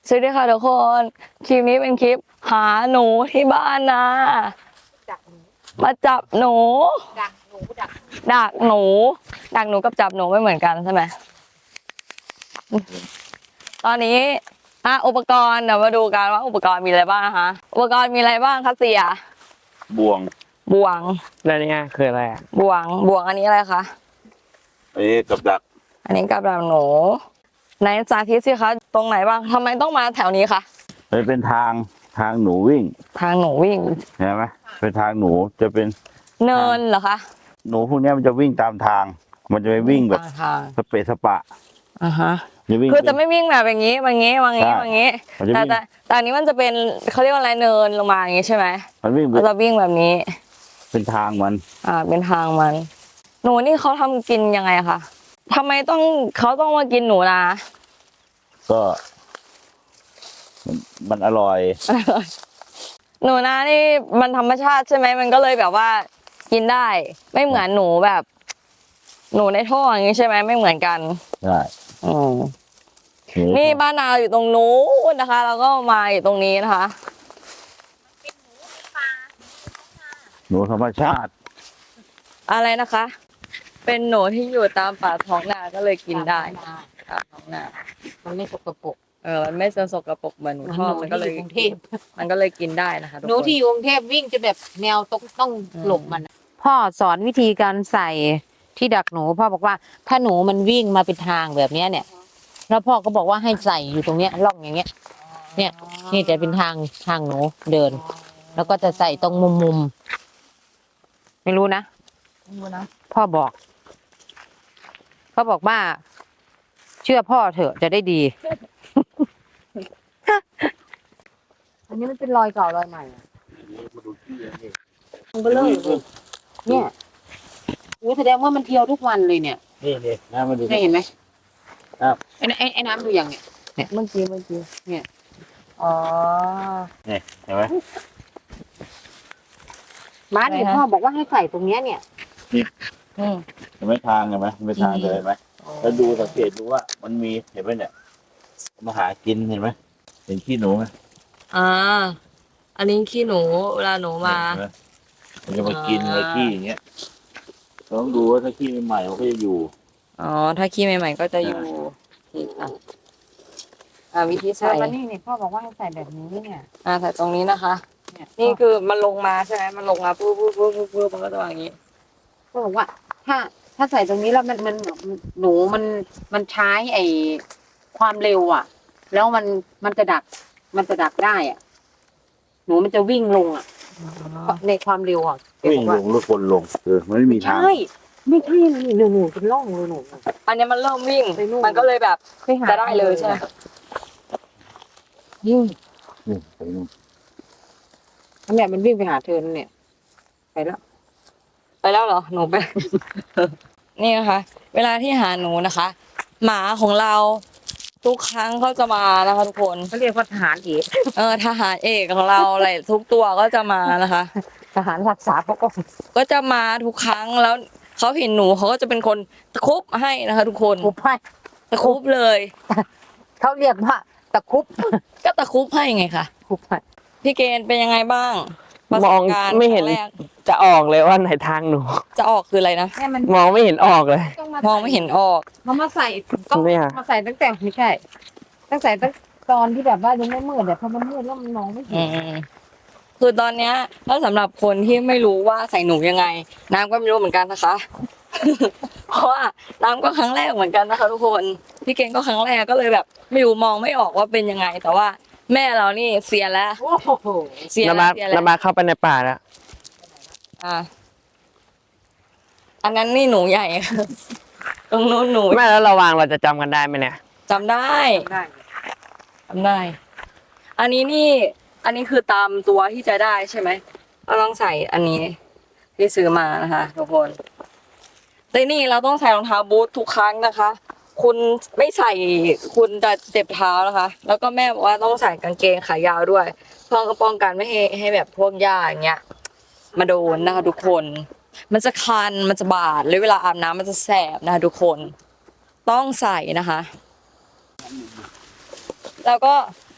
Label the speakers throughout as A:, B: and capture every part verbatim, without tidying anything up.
A: สวัสดีค่ะทุกคนคลิปนี้เป็นคลิปหาหนูที่บ้านนะมาจับหนูดักหนูดักดักหนูดักหนูกับจับหนูไม่เหมือนกันใช่ไหมตอนนี้อ่ะอุปกรณ์เดี๋ยวมาดูกันว่าอุปกรณ์มีอะไรบ้างนะคะอุปกรณ์มีอะไรบ้างคะเสีย
B: บ่วง
A: บ่วง
C: แล้วนี่คืออะไรอ่ะ
A: บ่วงบ่วงอันนี้อะไรคะ
B: อันนี้กับดัก
A: อันนี้กับดักหนูไหนสาธิตสิคะตรงไหนบ้างทำไมต้องมาแถวนี้คะ
B: มันเป็นทางทางหนูวิ่ง
A: ทางหนูวิ่ง
B: เห็นไหมเป็นทางหนูจะเป็น
A: เนินเหรอคะ
B: หนูพวกนี้มันจะวิ่งตามทาง มันจะไม่วิ่งแบบสเปซสปะ
A: อ่าฮะคือจะไม่วิ่งแบบอย่างนี้อย่างนี้อย่างนี้อย่างนี้แต่แต่แต่อันนี้มันจะเป็นเขาเรียกว่าอะไรเนินลงมาอย่างนี้ใช่ไหม
B: มันวิ่ง
A: มันจะวิ่งแบบนี้
B: เป็นทางมัน
A: อ่าเป็นทางมันหนูนี่เขาทำกินยังไงคะทำไมต้องเขาต้องมากินหนูนะ
B: ก็มันอร่อย
A: หนูนานี่มันธรรมชาติใช่ไหมมันก็เลยแบบว่ากินได้ไม่เหมือนหนูแบบ หนูในท่ออย่างนี้ใช่ไหมไม่เหมือนกัน
B: ใช่
A: อืมนี่บ้านนาอยู่ตรงนู้นนะคะแล้วก็มาอยู่ตรงนี้นะคะ
B: หนูธรรมชาติ
A: อะไรนะคะ เป็นหนูที่อยู่ตามป่าท้องนาก็เลยกินได้ตามท้องนา
D: มันไม่สกปรก
A: เออมันไม่สกปรกเหมือนหนูท่อมันก็เลยมันก็เลยกินได้นะคะ
D: หนูที่อยู่กรุงเทพวิ่งจะแบบแนวต้องต้องหลบมันพ่อสอนวิธีการใส่ที่ดักหนูพ่อบอกว่าถ้าหนูมันวิ่งมาเป็นทางแบบนี้เนี่ยแล้วพ่อก็บอกว่าให้ใส่อยู่ตรงเนี้ยร่องอย่างเงี้ยเนี่ยนี่จะเป็นทางทางหนูเดินแล้วก็จะใส่ตรงมุมมุมไม่รู้นะ
A: ไม่รู้นะ
D: พ่อบอกเขาบอกว่าเชื่อพ่อเถอะจะได้ดีอันนี้มันเป็นรอยเก่ารอยใหม่มันก็เลยเนี่ยโอ้แสดงว่ามันเที่ยวทุกวันเลยเนี่ย
B: นี่นี่น้ำมาดู
D: เห็นไหมครับไอ้ไอ้ไอ้น้ำดูยังเนี่ย
A: เนี่ยเมื่อกี้เมื่อกี้
D: เนี่ย
A: อ๋อ
B: เนี่ยเห็นไหม
D: บ้านเนี่ยพ่อบอกว่าให้ใส่ตรงเนี้ยเนี่ย
B: นี่เห็นไหมทางเห็นไหมเป็นทางเลยไหมแล้วดูสังเกตดูว่ามันมีเห็นไหมเนี่ยมาหากินเห็นไหมเห็นขี้หนูไหม
A: อ่าอันนี้ขี้หนูเวลาหนูมา
B: มันจะมากินอะไรขี้อย่างเงี้ยต้องดูว่าถ้าขี้ใหม่ๆมันก็จะอยู่
A: อ๋อถ้าขี้ใหม่ๆก็จะอยู่ที่อ่ะอ่าวิธีใส่
D: วันนี้เนี่ยพ่อบอกว่าให้ใส่แบบนี้เนี่ย
A: อ่าใส่ตรงนี้นะคะนี่คือมันลงมาใช่ไหมมันลงมาปุ๊บปุ๊บปุ๊บปุ๊บปุ๊บมันก็จะอย่างนี้
D: พ่อบอกว่าถ้าถ้าใส่ตรงนี้แล้วมันมันหนูมันมันใช้ไอความเร็วอ่ะแล้วมันมันจะดักมันจะดักได้อ่ะหนูมันจะวิ่งลงอ่ะในความเร็วอ่ะ
B: วิ่งลงหรือคนลงเออมันไม่มีทาง
D: ใช่ไม่ใช่หนูหนูเป็นร่องเลยหนู
A: อันนี้มันเริ่มวิ่งมันก็เลยแบบจะได้เลยใช่ไหม
D: ยิ่ง
B: นี่ไปนู่น
D: อันเนี้ยมันวิ่งไปหาเธอเนี่ยไปแล้ว
A: ไปแล้วเหรอหนูไปนี่นะคะเวลาที่หาหนูนะคะ หมาของเราทุกครั้งเขาจะมานะคะทุกคน
D: เขาเรียกว่าทหารเอก
A: เออทหารเอกของเราอะไรทุกตัวก็จะมานะคะ
D: ทหารรักษาพระองค์
A: ก็จะมาทุกครั้งแล้วเขาเห็นหนูเขาก็จะเป็นคนตะคุบให้นะคะทุกคน
D: ตะคุบให้
A: ตะคุบเลย
D: เขาเรียกว่าตะคุบ
A: ก็ตะคุบให้ไงคะ
D: คุบให้
A: พี่เกณฑ์เป็นยังไงบ้าง
C: มองไม่เห็นจะออกเลยว่าไหนทางหนู
A: จะออกคืออะไรนะ
C: มองไม่เห็นออกเลย
A: มองไม่เห็นออก
D: เขามาใส่ก็มาใส่ตั้งแต่ไม่ใช่ตั้งแต่ตั้งตอนที่แบบว่ายังไม่มืดแต่พอมันมืดแล้วมันมองไม่เห็น
A: คือตอนเนี้ยถ้าสำหรับคนที่ไม่รู้ว่าใส่หนูยังไงน้ำก็ไม่รู้เหมือนกันนะคะเพราะว่าน้ำก็ครั้งแรกเหมือนกันนะคะทุกคนพี่เก่งก็ครั้งแรกก็เลยแบบไม่รู้มองไม่ออกว่าเป็นยังไงแต่ว่าแม่เรานี่เสียแล้ว
C: เสียแล้วเสียแล้วระบาดเข้าไปในป่าแล้ว
A: อ่ะอันนั้นนี่หนูใหญ่ตรงนู้นหนู
C: แม่แล้วระวังเราจะจำกันได้ไหมเนี่ย
A: จำได้จำได้ อันนี้นี่อันนี้คือตามตัวที่จะได้ใช่ไหมเราต้องใส่อันนี้ที่ซื้อมานะคะทุกคนแต่นี่เราต้องใส่รองเท้าบูททุกครั้งนะคะ คุณไม่ใส่คุณจะเจ็บเท้านะคะ แล้วก็แม่บอกว่าต้องใส่กางเกงขายาวด้วยเพื่อป้องกันไม่ให้ให้แบบพวกหญ้าอย่างเงี้ยมาโดนนะคะทุกคนมันจะคันมันจะบาดแล้วเวลาอาบน้ำมันจะแสบนะคะทุกคนต้องใส่นะคะแล้วก็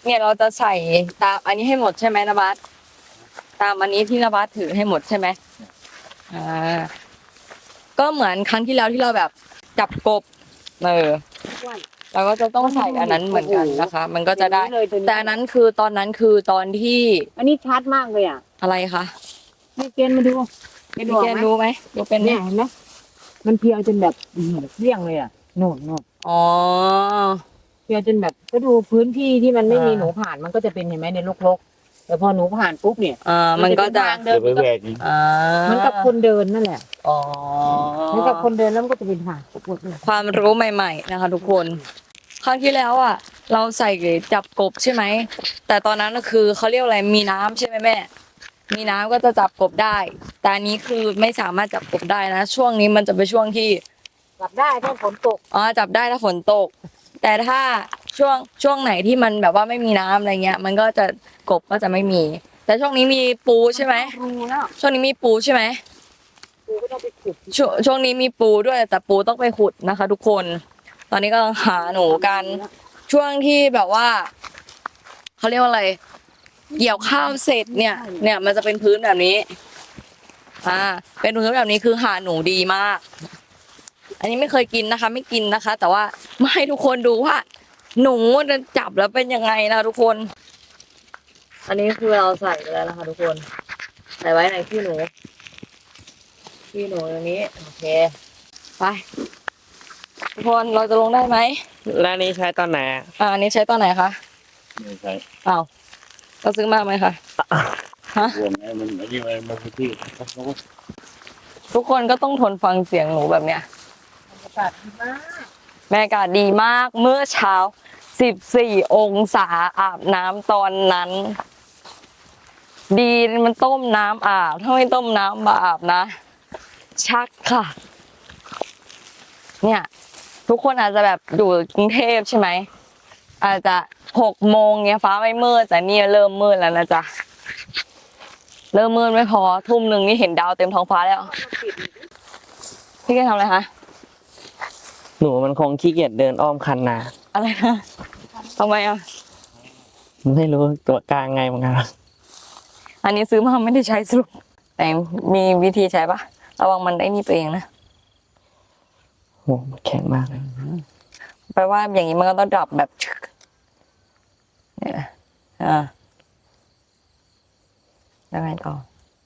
A: เนี่ยเราจะใส่ตามอันนี้ให้หมดใช่ไหมนะบัสตามอันนี้ที่นะบัสถือให้หมดใช่ไหมอ่าก็เหมือนครั้งที่แล้วที่เราแบบจับกบเออเราก็จะต้องใส่อันนั้นเหมือนกันนะคะ มันก็จะได้ แต่อันนั้นคือตอนนั้นคือตอนที่
D: อันนี้ชัดมากเลยอ่ะ
A: อะไรคะ
D: ให้เกณฑ์มาดูเกณฑ์
A: มี
D: บอก
A: แก
D: ไหม
A: รู้ไหมดูเป็นไหม
D: เนี่ยเห็นไหมมันเพียวจนแบบอื้อหือเรี่ยงเลยอ่ะโน่นโน่น
A: อ๋อ
D: เพียวจนแบบก็ดูพื้นที่ที่มันไม่มี
A: อ่า
D: หนูผ่านมันก็จะเป็นเห็นไหมในรกๆแต่พอหนูผ่านปุ๊บเนี่ย
A: อ่ามันก็จะ
D: เป็
B: เดี๋ยวไป
D: นทางเดิน
B: แหวกนี่
A: อ่า
D: เหมันกับคนเดินนั่นแหละ
A: อ๋อ
D: เหมันกับคนเดินแล้วมันก็จะเป็นทางปวดเลย
A: ความรู้ใหม่ ๆ นะคะ ทุกคน ครั้งที่แล้วอ่ะ เราใส่จับกบใช่ไหม แต่ตอนนั้นก็คือเขาเรียกอะไรมีน้ำใช่ไหมแม่ มีน้ำก็จะจับกบได้ แต่อันนี้คือไม่สามารถจับกบได้นะ ช่วงนี้มันจะเป็นช่วงที่
D: กลับได้ถ้าฝนตก
A: อ๋อจับได้ถ้าฝนตก แต่ถ้าช่วงช่วงไหนที่มันแบบว่าไม่มีน้ำอะไรเงี้ย มันก็จะกบก็จะไม่มี แต่ช่วงนี้มีปูใช่ไหม
D: รูแล้ว
A: ช่วงนี้มีปูใช่ไหม
D: กูก็ต้องไปขุด
A: ช่วงช่วงนี้มีปูด้วยแต่ปูต้องไปขุดนะคะ ทุกคน ตอนนี้กำลังหาหนูกัน ช่วงที่แบบว่าเขาเรียกว่าอะไร เกี่ยวข้าวเสร็จเนี่ย เนี่ยมันจะเป็นพื้นแบบนี้ อ่า เป็นพื้นแบบนี้คือหาหนูดีมาก อันนี้ไม่เคยกินนะคะ ไม่กินนะคะ แต่ว่ามาให้ทุกคนดูว่า หนูจะจับแล้วเป็นยังไงนะทุกคน อันนี้คือเราใส่ไปแล้วนะคะ ทุกคน ใส่ไว้ในขี้หนูขี้หนูตรงนี้โอเคไปทุกคนเราจะลงได้ไหม
C: แล้วอันนี้ใช้ตอนไหนอะ
A: อ่าอันนี้ใช้ตอนไหนคะ
B: ไม่ใช่
A: อ้าวเราซื้อมาไหมคะฮะ
B: รวมไงมันอันนี้มันมันคือที่เขาก็
A: ทุกคนก็ต้องทนฟังเสียงหนูแบบเนี้ย
D: บรรยากาศดีมาก
A: แม่อากาศดีมากเมื่อเช้าสิบสี่องศาอาบน้ำตอนนั้น ดีมันต้มน้ำอาบถ้าไม่ต้มน้ำมาอาบนะ ชักค่ะ เนี่ย ทุกคนอาจจะแบบอยู่กรุงเทพใช่ไหม อาจจะหกโมงเนี้ยฟ้าไม่มืดแต่นี่เริ่มมืดแล้วนะจ๊ะ เริ่มมืดไม่พอทุ่มหนึ่งนี่เห็นดาวเต็มท้องฟ้าแล้ว พี่แกทำอะไรคะ
C: หนูมันคงขี้เกียจเดินอ้อมคันนา
A: อะไรนะทำไมอ่ะ
C: ไม่รู้ตัวกลางไงเหมือนกัน
A: อันนี้ซื้อมาไม่ได้ใช้สรุปแต่มีวิธีใช้ปะระวังมันได้นี่ตัวเองนะ
C: โอ้มันแข็งมากเลย
A: แปลว่าอย่างนี้มันก็ต้องดับแบบชึกเนี่ยนะอ่าแล้วไงต่อ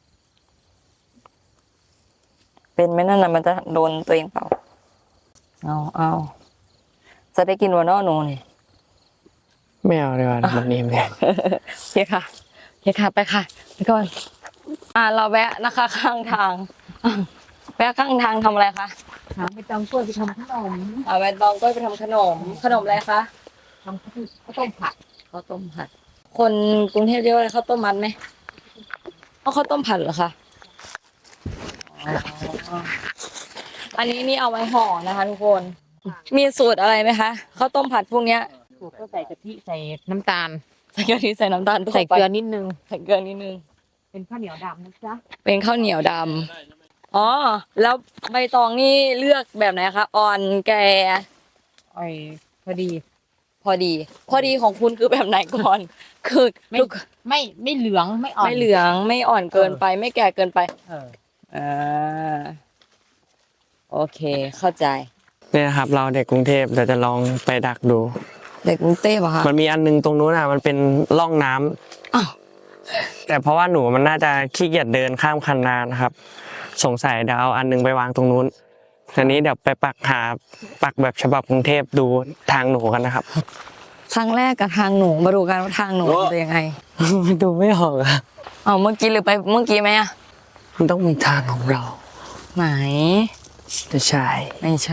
A: เป็นไหมนั่นน่ะมันจะโดนตัวเองเปล่า เอาเอาจะได้กินวันนอหนูนี่
C: ไม่เอาดีกว่ามันนิ่มเลย
A: โอเคค่ะโอเคค่ะ ไปค่ะไปก่อน อ่า เราแวะนะคะ ข้างทางอ่ะแวะข้างทางทำอะไรคะ
D: หาไปตำกล้วยไปทำขนม
A: อ่าแวะตองก็ไปทำขนม ขนมอะไรคะ
D: ทำข้าวต้มผัด
A: ข้าวต้มผัด คนกรุงเทพเรียกว่าอะไรข้าวต้มมัดไหมเอาข้าวต้มผัดเหรอคะอ๋ออันนี้นี่เอาไว้ห่อนะคะทุกคน มีสูตรอะไรไหมคะข้าวต้มผัดพวกเนี้ย
D: ถูกก็ใส่กะทิใส่น้ำตาล
A: ใส่กะทิใส่น้ำตาล
D: ใส่เกลือนิดนึง
A: ใส่เกลือนิดนึง
D: เป็นข้าวเหนียวดำนะจ๊ะ
A: เป็นข้าวเหนียวดำอ๋อ แล้วใบตองนี่เลือกแบบไหนคะ อ่อนแก่
D: ไอ้พอดี
A: พอดี พอดีของคุณคือแบบไหนก่อน คือ
D: ไม่
A: ลูก
D: ไม่ไม่เหลืองไม่อ่อน
A: ไม่เหลือง ไม่อ่อนเกินไป ไม่แก่เกินไป
D: เออ
A: อ่า โอเค เข้าใจ
C: เนี่ยครับ เราเด็กกรุงเทพเดี๋ยวจะลองไปดักดู
A: เด็กกรุงเทพเหรอคะ
C: มันมีอันนึงตรงนู้นอ่ะ มันเป็นร่องน้ำ
A: อ้าว
C: แต่เพราะว่าหนูมันน่าจะขี้เกียจเดินข้ามคันนานะครับ สงสัยเดี๋ยวเอาอันนึงไปวางตรงนู้นทีนี้เดี๋ยวไปปักหาปักแบบฉบับกรุงเทพดูทางหนูกันนะครับ
A: ครั้งแรกกับทางหนู มาดูกันว่าทางหนูเป็นยังไง
C: ดูไม่ออกอะ
A: เอาเมื่อกี้หรือไปเมื่อกี้ไหมอะ
C: มันต้องมีทางของเรา
A: ไหน
C: จะใช่
A: ไม่ใช่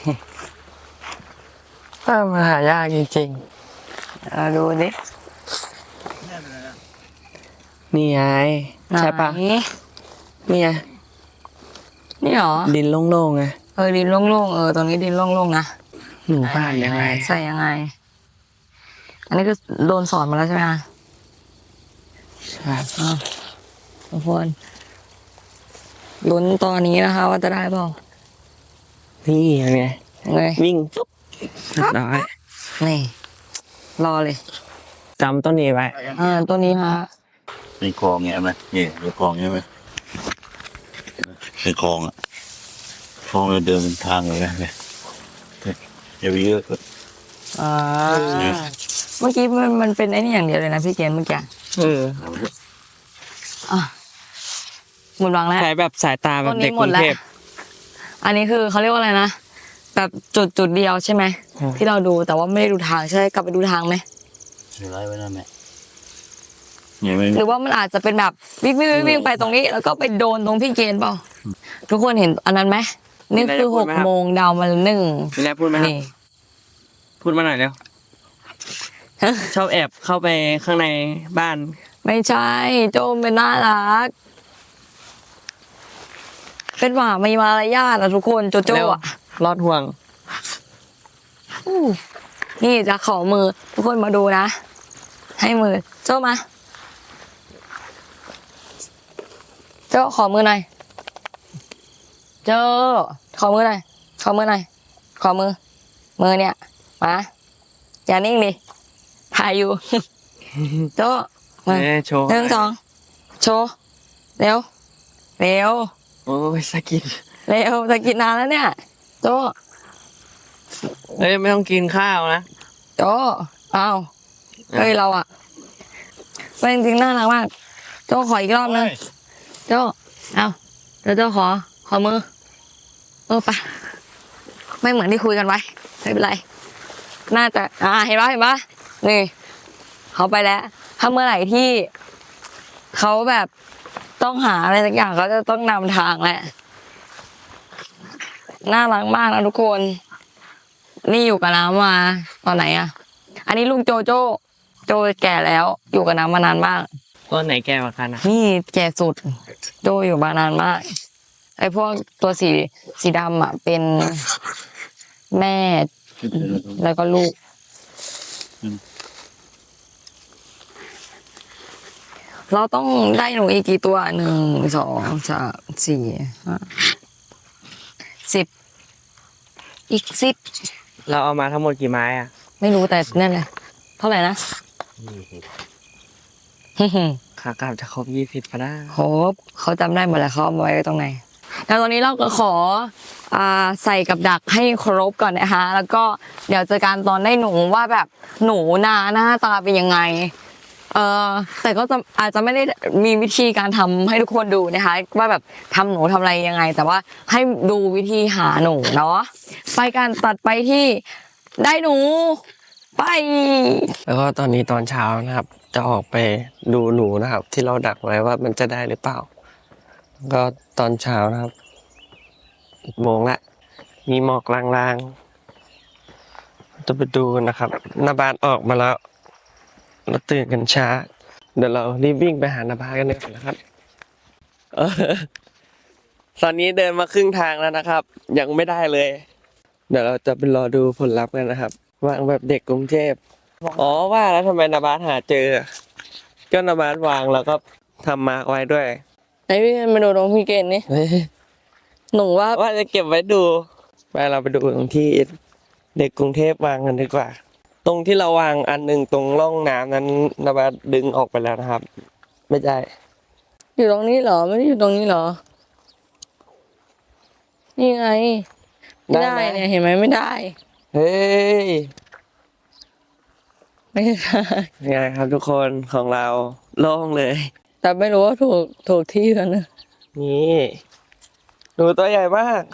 C: ถ้ามันหายากจริง
A: เอาดูดิ
C: ๆ นี่ไงใช่ปะ
A: ไหน
C: นี่ไง
A: นี่หรอ
C: ดินโล่งๆไง
A: เออดินโล่งๆ เออตรงนี้ดินโล่งๆนะ
C: หนูบ้านยังไง
A: ใส่ยังไง อันนี้คือโดนสอนมาแล้วใช่ไหมคะ
C: ครับ
A: อ่ะทุกคนลุ้นตอนนี้นะคะ ว่าจะได้เปล่า
C: นี่ยังไง
A: ยังไง
C: วิ่งปุ๊บเรียบร้อย
A: นี่ รอเลย
C: จำต้นนี้ไว้
A: อ่าตัวนี้ฮะ
B: เป็นคลองเงี้ยไหมนี่เป็นคลองใช่ไหมเป็นคลองอ่ะคลองเราเดินเป็นทางเลยนะเนี่ยอย่าไปเยอะก็
A: อ่าเมื่อกี้มันมันเป็นไอ้นี่อย่างเดียวเลยนะพี่เกณฑ์เมื่อกี้
C: เออ
A: อ่ะหมดหวังแล้ว
C: ใช้แบบสายตาแบบเด็ก
A: ต้นนี้
C: ก
A: หม
C: รุ
A: ด
C: ง
A: แล้ว
C: เทพ
A: อันนี้คือเขาเรียกว่าอะไรนะแบบจุดจุดเดียวใช่ไหม
C: อืม
A: ที่เราดูแต่ว่าไม่ได้ดูทางใช่กลับไปดูทางไหม
B: เสียไรไว้นั่นแหละเนี่ยไม่
A: หรือว่ามันอาจจะเป็นแบบวิ่งวิ่งวิ่งวิ่งไปตรงนี้ แล้วก็ไปโดนตรงพี่เกณฑ์เปล่าทุกคนเห็นอันนั้นไหมนี่คือหกโมงดาวมาหนึ่ง
C: มีอะไรพูดไหมครับ
A: นี่
C: พูดมาหน่อยเร็ว ชอบแอบเข้าไปข้างในบ้าน
A: ไม่ใช่โจมเป็นน่ารัก เป็นหมามีมารยาทอะทุกคนโจโจ้
C: เร็ว
A: อะ
C: รอดห่วง
A: อู้นี่จะขอมือ ทุกคนมาดูนะ ให้มือโจ้มาโจ้ขอมือหน่อยโจ้ขอมือหน่อยขอมือหน่อยขอมือ มือเนี่ยมาอย่านิ่งดิถ่ายอยู่ โจ้มา
C: เอ้ยโชว์
A: หนึ่งสองโชว์เร็วเร็ว
C: โอ้ยสกิน
A: เร็วจะกินนานแล้วเนี่ยโจ
C: เอ้ยไม่ต้องกินข้าวนะ
A: โจเอาเฮ้ยเราอะเป็นจริงๆน่ารักมากโจขออีกรอบนึงโจเอาเดี๋ยวโจขอขอมือเออไปะไม่เหมือนที่คุยกันไว้ไม่เป็นไรน่าจะอ่าเห็นปะเห็นปะนี่เขาไปแล้ว ถ้าเมื่อไหร่ที่เขาแบบต้องหาอะไรสักอย่างเขาจะต้องนำทางแหละน่ารักมากนะทุกคน นี่อยู่กับน้ำมาตอนไหนอะอันนี้ลุงโจโจโจแก่แล้ว อยู่กับน้ำมานานมาก
C: ต้นไหนแก่กว่ากันอ่ะ
A: นี่แก่สุด โจอยู่มานานมาก ไอ้พวกตัวสีสีดำอะเป็นแม่แล้วก็ลูก เราต้องได้หนูอีกกี่ตัวหนึ่งสองสามสี่ห้าสิบอีกสิบ
C: เราเอามาทั้งหมดกี่ไม้อ่ะ
A: ไม่รู้แต่นั่นแหละเท่าไหร่นะ
C: ขากลับจะครบยี่สิบพะนะ
A: โหเขาจำได้หมดแล้วเขาเอามาไว้ตรงไหนแล้วตอนนี้เราก็ขออ่าใส่กับดักให้ครบก่อนนะคะ แล้วก็เดี๋ยวเจอกันตอนได้หนูว่าแบบหนูนาหน้าตาเป็นยังไง เออแต่ก็จะอาจจะไม่ได้มีวิธีการทำให้ทุกคนดูนะคะ ว่าแบบทำหนูทำอะไรยังไง แต่ว่าให้ดูวิธีหาหนูเนาะไปการตัดไปที่ได้หนูไป
C: แล้วก็ตอนนี้ตอนเช้านะครับ จะออกไปดูหนูนะครับ ที่เราดักไว้ว่ามันจะได้หรือเปล่า ก็ตอนเช้านะครับอีกโมงละมีหมอกลางๆจะไปดูกันนะครับนาบานออกมาแล้วเราตื่นกันช้า เดี๋ยวเรารีบวิ่งไปหานาบานกันเลยนะครับเออตอนนี้เดินมาครึ่งทางแล้วนะครับ ยังไม่ได้เลย เดี๋ยวเราจะไปรอดูผลลัพธ์กันนะครับวางแบบเด็กกรุงเทพอ๋อว่าแล้วทำไมนาบานหาเจอ ก็นาบานวางแล้วก็ทำมาร์กไว้ด้วย
A: ไหนพี่มาดูตรงพี่เกณฑ์นี่
C: เฮ้ย
A: หนูว่า
C: ว่าจะเก็บไว้ดู ไปเราไปดูตรงที่เด็กกรุงเทพวางกันดีกว่า ตรงที่เราวางอันหนึ่งตรงร่องน้ำนั้นนาบาดึงออกไปแล้วนะครับ ไม่ใช่
A: อยู่ตรงนี้เหรอไม่ได้อยู่ตรงนี้เหรอ นี่ไงไม่ได้เนี่ยเห็นไหมไม่ได้
C: เฮ้ย
A: ไม่ได้
C: ยังไงครับทุกคนของเราโล่งเลย
A: แต่ไม่รู้ว่าถูกถูกที่แล้วนะ
C: นี่ดูตัวใหญ่มาก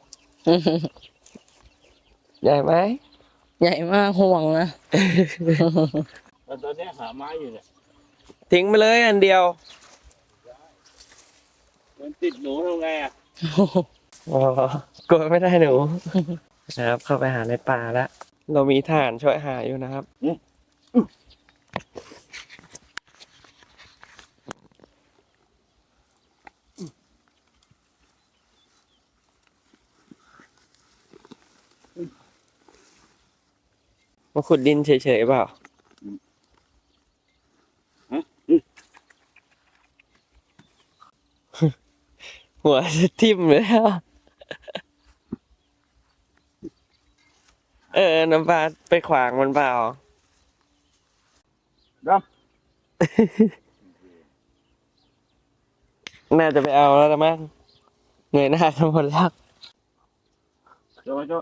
C: ใหญ่ไหม
A: ใหญ่มากห่วงนะ
B: แต่ตอนนี้หาไม้อยู่เนี่ย
C: ทิ้งไปเลยอันเดียว
B: มันติดหนูทำไงอ่ะ
C: อ๋อกลัวไม่ได้หนู นะครับ เข้าไปหาในป่าแล้ว เรามีฐานช่วยหาอยู่นะครับ มาขุดดินเฉยๆเปล่า หัวจะทิ่มเลยอ่ะ เออ น้ำปลาไปขวางมันเปล่า
B: ด
C: น่าจะไปเอาแล้วละมั้งเงยหน้ากันหมดแล้ว
B: โจ้โจ้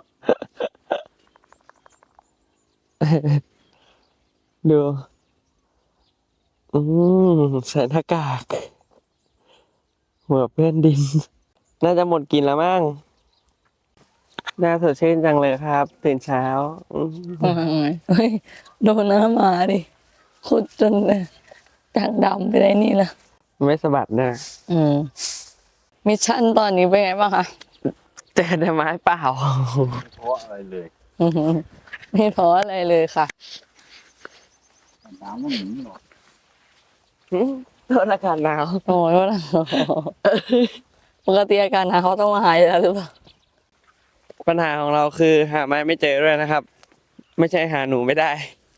C: ดูอืมใส่หน้ากากหัวเพื่อนดิน น่าจะหมดกินแล้วมั้งน่าสดชื่นจังเลยครับตื่นเช้าอืม
A: เฮ้ยโดนน้ำมาดิขุดจนเลยจากดำไปได้นี่ละ
C: ไม่สะบัดนะ
A: อืมมิชชั่นตอนนี้เป็นไงบ้างคะ
C: เจอแต่ไม้เปล่า
B: เพราะอะไรเลย
A: อื้อหือไม่ท้ออะไรเลยค่ะ
B: น้ำมันหนีหรอก
C: โดนอากาศหนาว
A: โอ้ยว่าปกติอาการหนาเขาต้องมาหายแล้วหรือเปล่า
C: ปัญหาของเราคือหาไม้ไม่เจอด้วยนะครับ ไม่ใช่หาหนูไม่ได้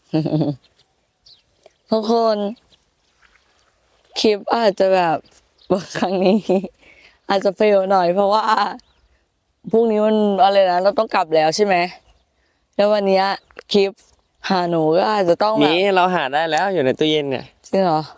A: ทุกคนคลิปอาจจะแบบครั้งนี้ อาจจะเฟลหน่อยเพราะว่าพรุ่งนี้มันอะไรนะเราต้องกลับแล้วใช่ไหมแล้ววันเนี้ยคลิปหาหนูก็อาจจะต้องแบบ
C: นี้เราหาได้แล้วอยู่ในตู้เย็นเนี่ย
A: จริงเหรอ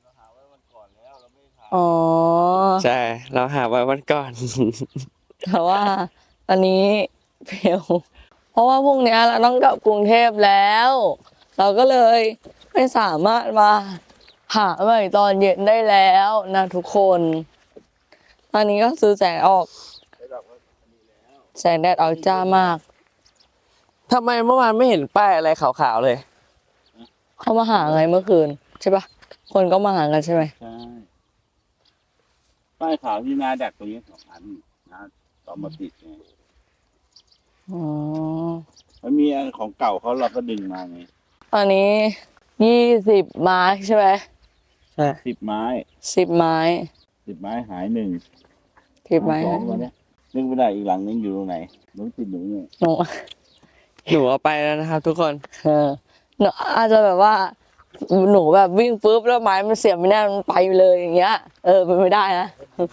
A: อ๋อ
C: ใช่ เราหาไว้วันก่อน
A: แต่ว่าตอนนี้เฟลเพราะว่าพรุ่งนี้เราต้องกลับกรุงเทพแล้ว เราก็เลยไม่สามารถมาหาใหม่ตอนเย็นได้แล้วนะทุกคน ตอนนี้ก็ซื้อแสงออก แสงแดดออกจ้ามาก
C: ทำไมเมื่อวานไม่เห็นป้ายอะไรขาวๆเลย
A: เขามาหาไงเมื่อคืนใช่ปะคนก็มาหากันใช่ไหม
B: ใช่ป้ายขาวที่นาดักตรงนี้สองอันนาต่อมาติดไง
A: อ๋อ
B: มันมีอันของเก่าเขาเราก็ดึงมาไง
A: ตอนนี้ยี่สิบไม้ใช่ไหม
C: ใช่
B: สิบไม้
A: สิบไม้
B: สิบไม้หายหนึ่ง
A: สิบไม้
B: สองวันเนี้ยนึกไม่ได้อีกหลังนึงอยู่ตรงไหนหนูติดหนูเนี่ย
A: หนู
C: หนูเอาไปแล้วนะครับ ทุกคน
A: เออหนูอาจจะแบบว่า หนูแบบวิ่งปุ๊บแล้วไม้มันเสียบไม่แน่มันไปเลยอย่างเงี้ย เออเป็นไม่ได้นะ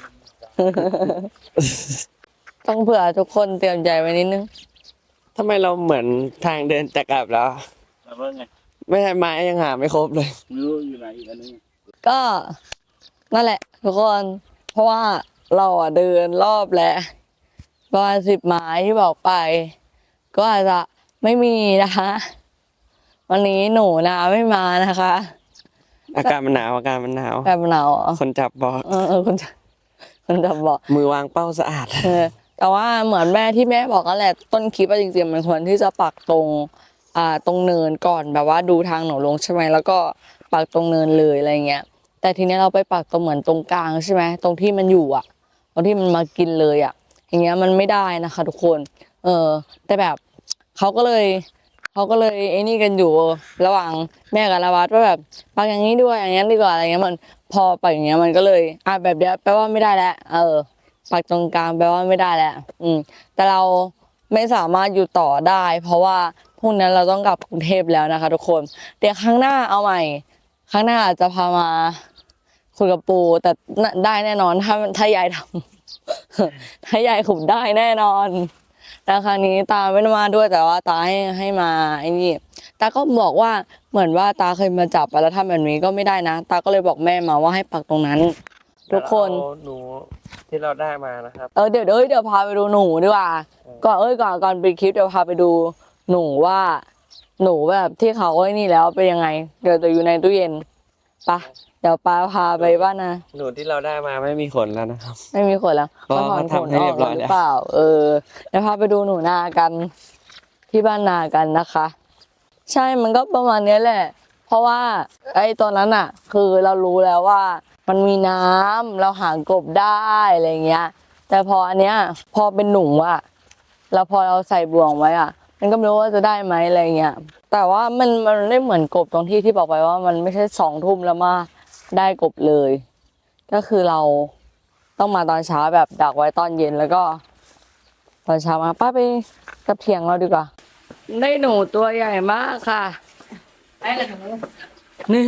A: ต้องเผื่อทุกคนเตรียมใจไว้นิดนึง
C: ทำไมเราเหมือนทางเดินจะกลับแล้ว
B: แล้วว่าไง
C: ไม่ใช่ไม้ยังหาไม่ครบเลย
B: ไม่รู้อยู่ไหนอีกอันนึง
A: ก็นั่นแหละทุกคน เพราะว่าเราอ่ะเดินรอบแล้วประมาณสิบไม้ที่บอกไป ก็อาจจะไม่มีนะคะ วันนี้หนูนะไม่มานะคะ
C: อากาศมันหนาวอากาศมันหนาว
A: แบบหนาวเหรอ
C: คนจับบอก
A: เออเออคุณจะคุณจะบอก
C: มือวางเป้าสะอาด
A: เออแต่ว่าเหมือนแม่ที่แม่บอกนั่นแหละต้นคลิปอะจริงๆมันควรที่จะปักตรงอ่าตรงเนินก่อนแบบว่าดูทางหนูลงใช่ไหมแล้วก็ปักตรงเนินเลยอะไรเงี้ยแต่ทีนี้เราไปปักตรงเหมือนตรงกลางใช่ไหมตรงที่มันอยู่อ่ะตรงที่มันมากินเลยอ่ะอย่างเงี้ยมันไม่ได้นะคะ ทุกคน เออ แต่แบบเขาก็เลยเขาก็เลยไอ้นี่กันอยู่ระหว่างแม่กับละวัดว่าแบบปักอย่างนี้ด้วยอย่างนี้ดีกว่าอะไรเงี้ยมันพอปักอย่างเงี้ยมันก็เลยอ่ะแบบเนี้ยแปลว่าไม่ได้แล้วเออ ปักตรงกลางแปลว่าไม่ได้แล้ว อืม แต่เราไม่สามารถอยู่ต่อได้ เพราะว่าพรุ่งนี้เราต้องกลับกรุงเทพแล้วนะคะ ทุกคน เดี๋ยวครั้งหน้าเอาใหม่ ครั้งหน้าอาจจะพามาคุยกับปูแต่น่ะได้แน่นอนถ้าถ้ายายทำ ถ้ายายขุดได้แน่นอนแต่ครั้งนี้ตาไม่ได้มาด้วยแต่ว่าตาให้ให้มาไอ้นี่ตาก็บอกว่าเหมือนว่าตาเคยมาจับอะแล้วทำแบบนี้ก็ไม่ได้นะตาก็เลยบอกแม่มาว่าให้ปักตรงนั้น ทุกคน
C: เอาหนูที่เราได้มานะครับ
A: เออเดี๋ยวเดี๋ยวเดี๋ยวพาไปดูหนูดีกว่าก่อนเอ้ยก่อนก่อนปิดคลิปเดี๋ยวพาไปดูหนูว่า หนูแบบที่เขาไอ้นี่แล้วเป็นยังไง เดี๋ยวจะอยู่ในตู้เย็นไปะเดี๋ยวป้าพาไปบ้านนะ
C: หนูที่เราได้มาไม่มีขนแล้วนะครับ
A: ไม่มีขนแล้ว
C: เพราะ
A: ถอน
C: เขา
A: ขน
C: ทำให้
A: อ
C: เรี
A: อย ก
C: บร้อย
A: ห
C: แล้ว
A: รือเปล่า เออเดี๋ยวพาไปดูหนูนากัน ที่บ้านนากันนะคะ ใช่มันก็ประมาณเนี้ยแหละ เพราะว่า ไอ้ตอนนั้นอ่ะ คือเรารู้แล้วว่า มันมีน้ำเราหากบได้อะไรเงี้ย แต่พออันเนี้ย พอเป็นหนูอ่ะ แล้วพอเราใส่บ่วงไว้อ่ะ มันก็ไม่รู้ว่าจะได้ไหมอะไรเงี้ย แต่ว่ามันมันไม่เหมือนกบตรงที่ที่บอกไปว่ามันไม่ใช่สองทุ่มแล้วมาได้กบเลย ก็คือเราต้องมาตอนเช้าแบบดักไว้ตอนเย็นแล้วก็ ตอนเช้ามาป้าไปกับเถียงเราดีกว่า ได้หนูตัวใหญ่มากค่ะไอ้ละหนูนี่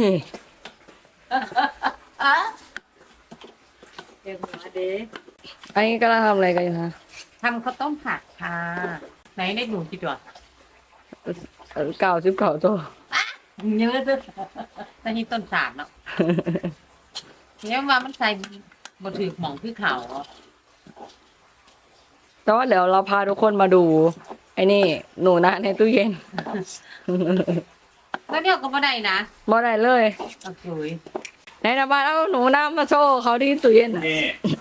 A: เดี๋ยวมาเด้อันนี้กำลังทำอะไรกันอยู่คะ
D: ทำข้าวต้มผัดค่ะไหนได้หนูกี่ตัว
A: เก่าชิบเก่าตัว
D: เยอะเลยแต่ที่ต้นสาดเนาะเนี่ยว่ามันใส่บ่ถือหมองคือเขา
A: แต่ว่าเดี๋ยวเราพาทุกคนมาดู ไอ้นี่ หนูนะในตู้เย็น
D: ก็เนี่ยก็บ่ได้นะ
A: บ่ได้เลย
D: โอเคย
A: ในน้ำบ้านเอาหนูน้ำมาโชว์เขาที่ตู้เย็นอ่ะ
B: นี่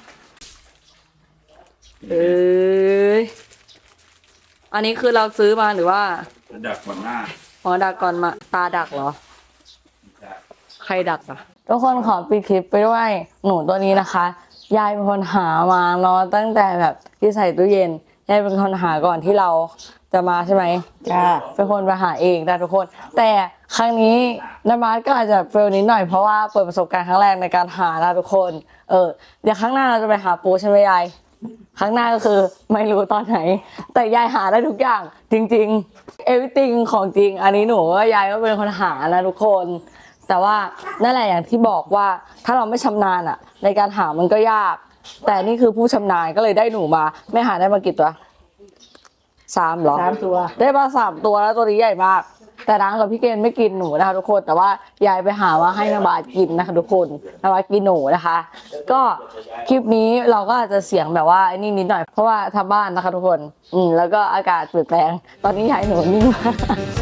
A: เอ้ยอันนี้คือเราซื้อมาหรือว่า
B: จะดักก่อนหน้า
A: อ๋อดักก่อนมาตาดักเหรอ ใครดักอ่ะทุกคนขอปิดคลิปไปด้วยหนูตัวนี้นะคะ ยายเป็นคนหามาเนาะตั้งแต่แบบที่ใส่ตู้เย็นยายเป็นคนหาก่อนที่เราจะมาใช่ไหม
E: จ้า
A: เป็นคนไปหาเองนะทุกคน แต่ครั้งนี้นามาร์ก็อาจจะเฟลนิดหน่อยเพราะว่าเปิดประสบการณ์ครั้งแรกในการหานะทุกคน เออเดี๋ยวครั้งหน้าเราจะไปหาปูใช่ไหมยายครั้งหน้าก็คือไม่รู้ตอนไหน แต่ยายหาได้ทุกอย่างจริงๆ everything ของจริง อันนี้หนูว่ายายก็เป็นคนหานะทุกคน แต่ว่านั่นแหละอย่างที่บอกว่าถ้าเราไม่ชำนาญอะในการหามันก็ยาก แต่นี่คือผู้ชำนาญก็เลยได้หนูมาไม่หาได้มากี่ตัวสามเหรอ
E: สามตัว
A: ได้มาสามตัวแล้วตัวนี้ใหญ่มาก แต่นางกับพี่เกณฑ์ไม่กินหนูนะคะทุกคนแต่ว่ายายไปหามาให้นบากินนะคะทุกคนนบากินหนูนะคะ ก็คลิปนี้เราก็อาจจะเสียงแบบว่าไอ้นี่นิดหน่อยเพราะว่าทำบ้านนะคะทุกคนอืมแล้วก็อากาศเปลี่ยนแปลงตอนนี้ยายหนูนิ่งมาก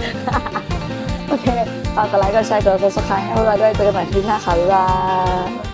A: โอเคฝากกดไลค์กดแชร์กด ซับสไครบ์ ให้เราด้วยเจอกันใหม่คลิปหน้าค่ะบ๊ายบาย